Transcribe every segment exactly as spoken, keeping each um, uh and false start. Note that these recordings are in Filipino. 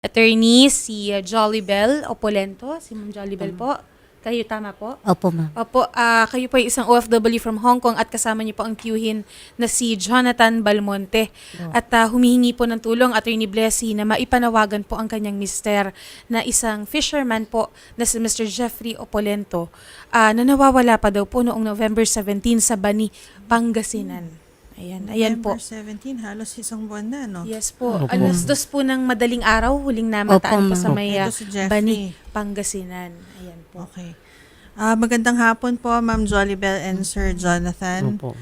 Attorney, si uh, Jollibel Opolento, si Ma'am Jollibel po. Kayo tama po? Opo, ma'am. Opo, ah, kayo po ay isang O F W from Hong Kong at kasama niyo po ang tiyuhin na si Jonathan Balmonte. At ah, humihingi po ng tulong, Attorney Blessy, na maipanawagan po ang kanyang mister na isang fisherman po na si Mister Jeffrey Opolento ah, na nawawala pa daw po noong November seventeenth sa Bani, Pangasinan. Ayan, ayan po. November seventeenth, halos isang buwan na, no? Yes po. Opo. Alas dos po ng madaling araw, huling namataan po Opo, sa ma'am. may uh, Ito si Jeffrey. Bani, Pangasinan. Ayan po. Okay. Ah, magandang hapon po, Ma'am Jollibel and Sir Jonathan. Opo.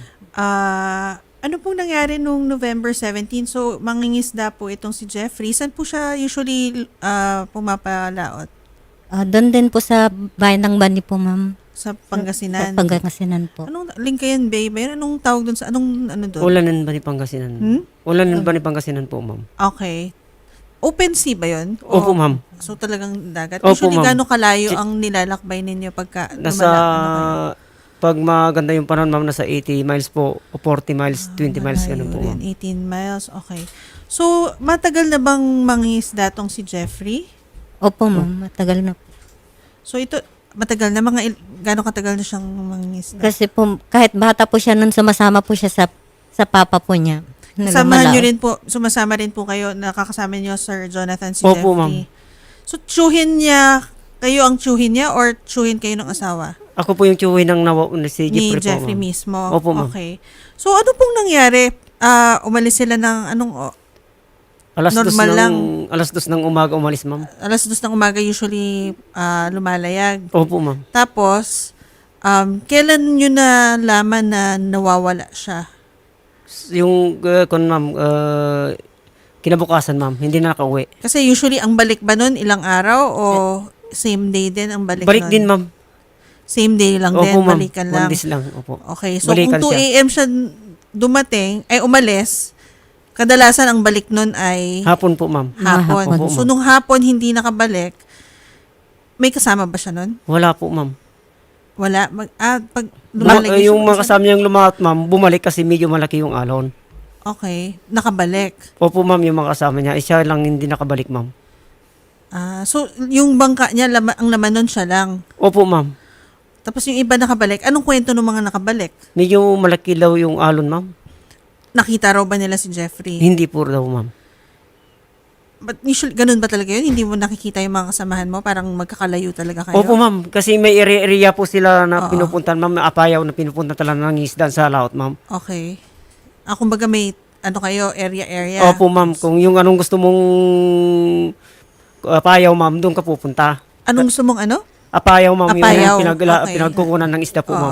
Ah, ano pong nangyari nung November seventeenth? So, mangingisda po itong si Jeffrey. Saan po siya usually ah, pumapalaot? Ah, doon din po sa bayan ng Bani po, ma'am. Sa Pangasinan? Sa Pangasinan po. Anong Linkayan Bay ba yun? Anong tawag doon sa, anong ano doon? Ulanan ba ni Pangasinan? Hmm? Ulanan ba ni Pangasinan po, ma'am? Okay. Open sea ba yun? Opo, O- ma'am. So talagang dagat? Opo, Usually, ma'am. gaano kalayo Si- ang nilalakbay ninyo pagka Nasa, lumala- ano kayo? pag maganda yung panahon, ma'am, nasa eighty miles po, o forty miles, twenty miles, ganun po, Malayo ma'am. rin, eighteen miles, okay. So, matagal na bang mangingisda tong si Jeffrey? Opo, ma'am. Matagal na po. So, ito, matagal na, mga, il- gaano katagal na siyang mangingisda? Kasi po, kahit bata po siya nun, sumasama po siya sa sa papa po niya. na Samahan nyo lumalaot. rin po, sumasama rin po kayo, nakakasama nyo, Sir Jonathan, si Opo, Jeffrey. ma'am. So, tsuhin niya, kayo ang tsuhin niya or tsuhin kayo ng asawa? Ako po yung tsuwi ng nawa, si Ni Jeffrey, Jeffrey po, ma'am. mismo? Opo, ma'am. Okay. So, ano pong nangyari? Ah, umalis sila ng anong, o- Alas dos Normal ng, lang. alas dos ng umaga umalis, ma'am. alas dos ng umaga usually ah, lumalayag. Opo, ma'am. Tapos, um, kailan nyo na laman na nawawala siya? Yung, uh, kun, ma'am, uh, kinabukasan, ma'am, hindi na nakauwi. Kasi usually, ang balik ba nun, ilang araw o same day din ang balik Balik nun? din, ma'am. Same day lang din, Opo, ma'am. balikan One lang. days lang, opo. Okay, so Balikan kung two a.m. siya dumating, ay umalis, kadalasan ang balik nun ay Hapon po, ma'am. hapon. Opo, So, ma'am. nung hapon hindi nakabalik, may kasama ba siya nun? Wala po, ma'am. Wala. Mag, ah, pag Ma- lumalagay yung siya- mga kasama niyang lumahat, ma'am, bumalik kasi medyo malaki yung alon. Okay, nakabalik. Opo, ma'am, yung mga kasama niya. Isa lang hindi nakabalik, ma'am. Ah, so yung bangka niya lama, ang laman nun siya lang. Opo, ma'am. Tapos yung iba nakabalik. Anong kwento ng mga nakabalik? Medyo malaki daw yung alon, ma'am. Nakita raw ba nila si Jeffrey? Hindi po daw, ma'am. But usually, ganun ba talaga yun? Hindi mo nakikita yung mga kasamahan mo? Parang magkakalayo talaga kayo? Opo, ma'am. Kasi may area-area po sila na Oo. pinupuntan, ma'am. Apayaw na pinupuntan talaga ng isda sa laot, ma'am. Okay. Ah, kumbaga may, ano kayo, area-area? Opo, ma'am. Kung yung anong gusto mong apayaw, ma'am, doon ka pupunta. Anong gusto mong ano? Apayaw, ma'am. Apayaw, Yung pinag- okay. pinagkukunan ng isda po, Oo. ma'am.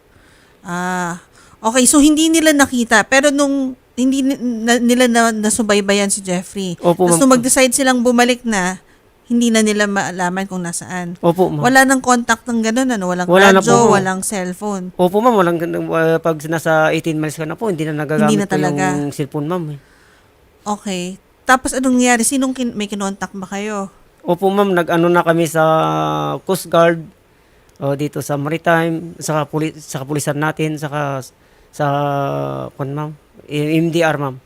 Ah, okay. So, hindi nila nakita. Pero nung hindi ni- na, nila na, nasubaybayan si Jeffrey. Opo, Tapos ma'am. nung mag-decide silang bumalik na, hindi na nila maalaman kung nasaan. Opo, ma'am. Wala nang contact ng gano'n, ano? Walang Wala na radyo, po. walang cellphone. Opo, ma'am. Walang, uh, pag nasa eighteen miles ka na po, hindi na nagagamit Hindi na po talaga. yung cellphone, ma'am. eh. Okay. Tapos anong nangyari? Sinong kin- may kinontak ba kayo? Opo, ma'am. Nag-ano na kami sa Coast Guard, o dito sa Maritime, sa puli, sa kapulisan natin, saka sa kwan, ma'am. M D R, ma'am.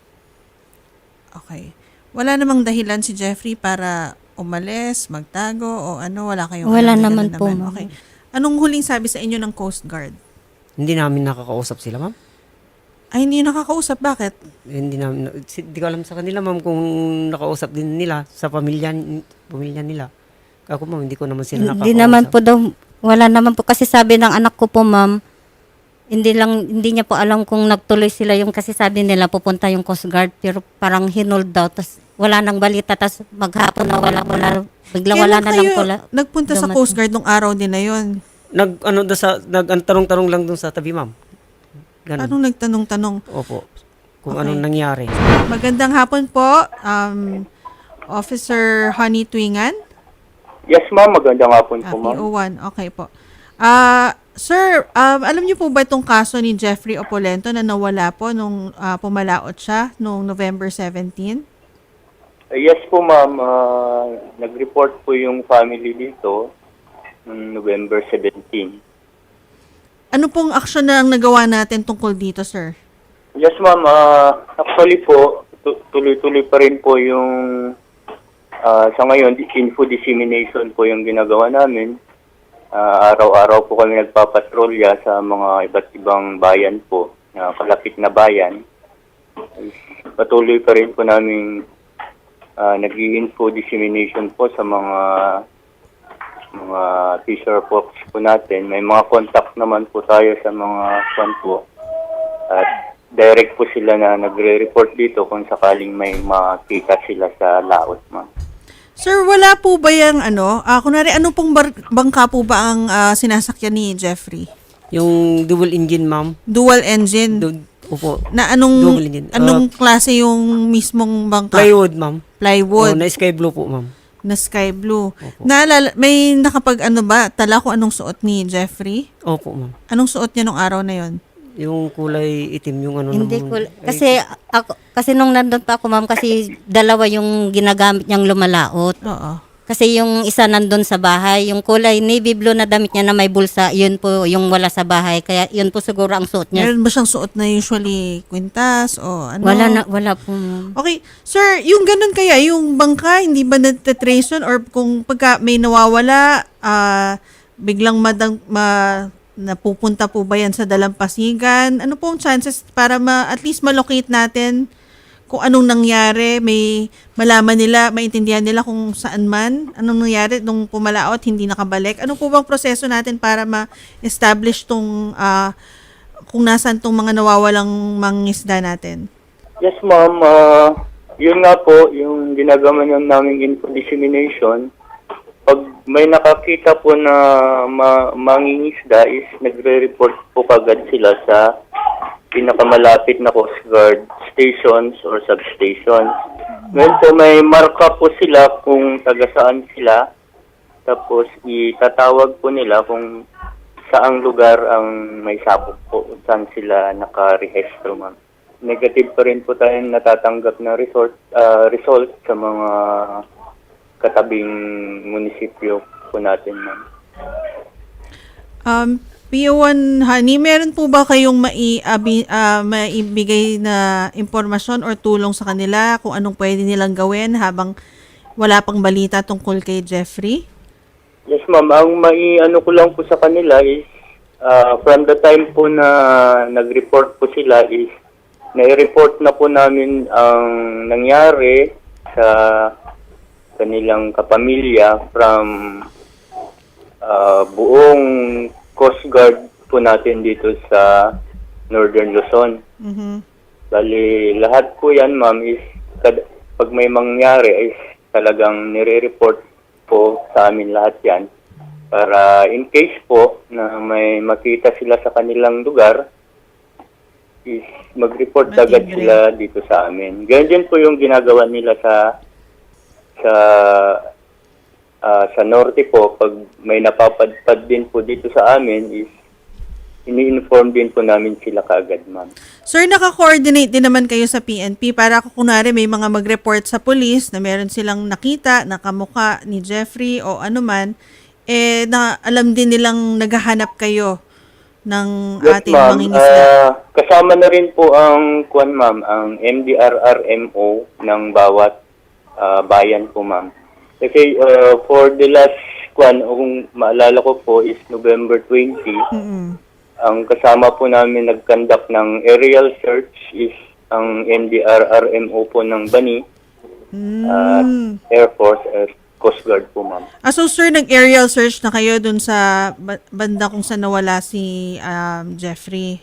Okay. Wala namang dahilan si Jeffrey para umalis, magtago, o ano? Wala kayong Wala alam na naman ganun po, ma'am. Okay. Anong huling sabi sa inyo ng Coast Guard? Hindi namin nakakausap sila, ma'am. Ay, hindi nyo nakakausap. Bakit? Hindi namin, hindi ko alam sa kanila, ma'am, kung nakausap din nila sa pamilya, pamilya nila. Ako, ma'am, hindi ko naman sila nakakausap. Hindi naman po daw, wala naman po. Kasi sabi ng anak ko po, ma'am, hindi lang, hindi niya po alam kung nagtuloy sila yung, kasi sabi nila pupunta yung Coast Guard, pero parang hinold daw. Tapos wala nang balita, tapos maghapon na wala, wala, bigla wala Kailan na lang kayo pula. nagpunta sa dumating. Coast Guard nung araw din na yun? Nag, ano, da sa, nag, ang tanong-tanong lang dun sa tabi, ma'am. Ganun. Anong nagtanong-tanong? Opo. Kung Okay. anong nangyari. Magandang hapon po, um, Officer Honey Twingan. Yes, ma'am. Magandang hapon Ah, po, ma'am. P O one. Okay po. Ah, sir, um, alam niyo po ba itong kaso ni Jeffrey Opolento na nawala po nung ah, pumalaot siya noong November seventeenth? Uh, yes po, ma'am. Ah, nag-report po yung family dito noong November seventeenth. Ano pong aksyon na ang nagawa natin tungkol dito, sir? Yes, ma'am. Ah, actually po, tu- tuloy-tuloy pa rin po yung Ah, sa ngayon, di- info dissemination po yung ginagawa namin. Ah, araw-araw po kami nagpapatrolya sa mga iba't ibang bayan po, na kalapit na bayan. Patuloy pa rin po namin uh, nag-info dissemination po sa mga mga fisher folks po natin. May mga contact naman po tayo sa mga kwan po. At direct po sila na nagre-report dito kung sakaling may makita sila sa laot, ma'am. Sir, wala po ba yung ano, ah kunwari, ano pong bar- bangka po ba ang ah, sinasakyan ni Jeffrey? Yung double engine, ma'am. Dual engine? Du- Opo. na anong Double engine. anong klase yung mismong bangka? Plywood, ma'am. Plywood. Oh, na sky blue po, ma'am. Na sky blue. Naalala, may nakapag ano ba, tala kung anong suot ni Jeffrey? Opo, ma'am. Anong suot niya nung araw na yon? Yung kulay itim, yung ano Hindi naman- ko, ay, kasi ako, kasi nung nandun pa ako ma'am, kasi dalawa yung ginagamit niyang lumalaot. Oo. Kasi yung isa nandun sa bahay, yung kulay navy blue na damit niya na may bulsa, yun po yung wala sa bahay. Kaya yun po siguro ang suot niya. Meron ba siyang suot na usually kwintas o ano? Wala na, wala po ma'am. Okay. Sir, yung ganun kaya, yung bangka, hindi ba natatrace yun? Or kung pagka may nawawala, ah, biglang madang, ma, napupunta po ba yan sa dalampasigan? Ano po ang chances para ma, at least malocate natin kung anong nangyari, may malaman nila, maintindihan nila kung saan man, anong nangyari nung pumalaot, hindi nakabalik. Ano po bang proseso natin para ma-establish tong, ah, kung nasan tong mga nawawalang mangingisda natin? Yes, ma'am. Ah, yun nga po, yung ginagawa nyo naming info dissemination, pag may nakakita po na ma- mangingisda is nagre-report po kagad sila sa pinakamalapit na Coast Guard stations or substations. Ngayon po may marka po sila kung taga saan sila, tapos itatawag po nila kung saang lugar ang may sabog po, saan sila nakarehistro, ma'am. Negative pa rin po tayong natatanggap na resort, ah, result sa mga katabing munisipyo po natin, ma'am. Um, P O one Honey, meron po ba kayong mai, abi, ah, maibigay na impormasyon or tulong sa kanila kung anong pwede nilang gawin habang wala pang balita tungkol kay Jeffrey? Yes, ma'am. Ang mai-ano ko lang po sa kanila is, ah, from the time po na nag-report po sila is, nai-report na po namin ang nangyari sa kanilang kapamilya from ah, buong Coast Guard po natin dito sa Northern Luzon. Mhm. Bali, lahat po yan, ma'am, is kad- pag may mangyari is talagang nire-report po sa amin lahat yan. Para in case po na may makita sila sa kanilang lugar, is mag-report agad Matibre. sila dito sa amin. Ganyan din po yung ginagawa nila sa sa ah, sa norte po. Pag may napapadpad din po dito sa amin is ini-inform din po namin sila kaagad, ma'am. Sir, naka-coordinate din naman kayo sa P N P para kung kunwari may mga mag-report sa police na meron silang nakita, nakamuka ni Jeffrey o ano man, eh, na alam din nilang naghahanap kayo ng Yes, ating ma'am. mangingisda. Ah, kasama na rin po ang kuan, ma'am, ang M D R R M O ng bawat ah, bayan po, ma'am. Kasi ah, for the last kuan, kung maalala ko po is November twentieth, Mm-mm. ang kasama po namin nag-conduct ng aerial search is ang M D R R M O po ng Bani, at Mm. Air Force, uh, Coast Guard po, ma'am. Ah, so sir, nag-aerial search na kayo dun sa ba- banda kung saan nawala si um, Jeffrey?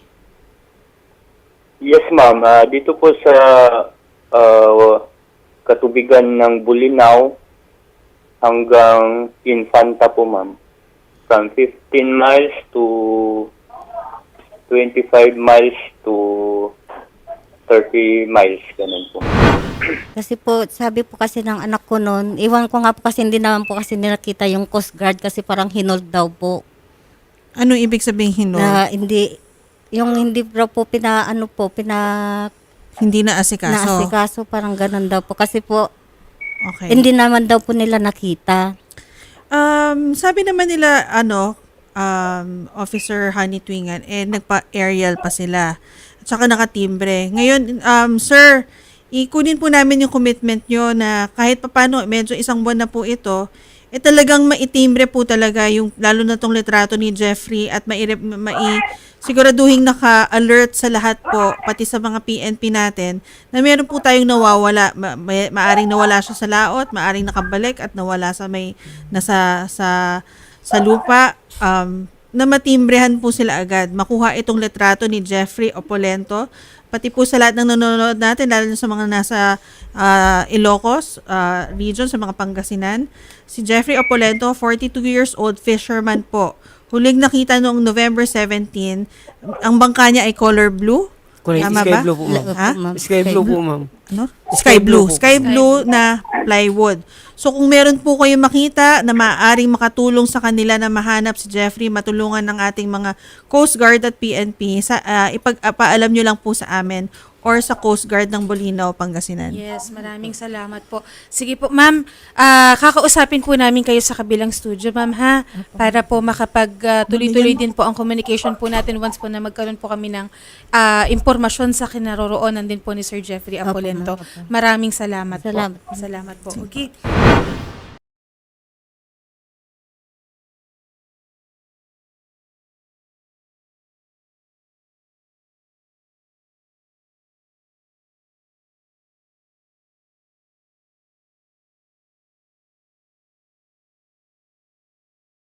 Yes, ma'am. Ah, dito po sa ah, katubigan ng Bulinaw hanggang Infanta po, ma'am. From fifteen miles to twenty-five miles to thirty miles, ganun po. Kasi po, sabi po kasi ng anak ko noon, iwan ko nga po kasi hindi naman po kasi nakita yung Coast Guard kasi parang hinold daw po. Anong ibig sabihin no? Na hindi, yung hindi daw po pina, ano po, pina, Hindi na asikaso. naasikaso, parang ganun daw po. Kasi po, Okay. hindi naman daw po nila nakita. Um, sabi naman nila, ano, um, Officer Honey Twingan, eh, nagpa-aerial pa sila. At saka nakatimbre. Ngayon, um, sir, ikunin po namin yung commitment nyo na kahit papano, medyo isang buwan na po ito, eh talagang maitimbre po talaga yung, lalo na tong litrato ni Jeffrey at mai, mai siguraduhin naka-alert sa lahat po, pati sa mga P N P natin, na meron po tayong nawawala, ma, ma, maaring nawala siya sa laot, maaring nakabalik at nawala sa may, nasa, sa, sa lupa, um, na matimbrehan po sila agad. Makuha itong litrato ni Jeffrey Opolento, pati po sa lahat ng nanonood natin, lalo na sa mga nasa uh, Ilocos uh, region, sa mga Pangasinan. Si Jeffrey Opolento, forty-two years old, fisherman po. Huling nakita noong November seventeenth, ang bangka niya ay color blue. Correct. Tama Sky ba? blue po, ma'am. Ha? Sky blue po, ma'am. Ano? Sky Sky blue. blue po. Sky blue na plywood. So kung meron po kayo makita na maaaring makatulong sa kanila na mahanap si Jeffrey, matulungan ng ating mga Coast Guard at P N P, sa, uh, ipag-paalam nyo lang po sa amin or sa Coast Guard ng Bolinao, Pangasinan. Yes, maraming salamat po. Sige po, ma'am, ah, kakausapin po namin kayo sa kabilang studio, ma'am, ha? Para po makapag ah, tuloy-tuloy din po ang communication po natin once po na magkaroon po kami ng ah, impormasyon sa kinaroroonan din po ni Sir Jeffrey Apolento. Maraming salamat, Salamat. po. Salamat po. Okay.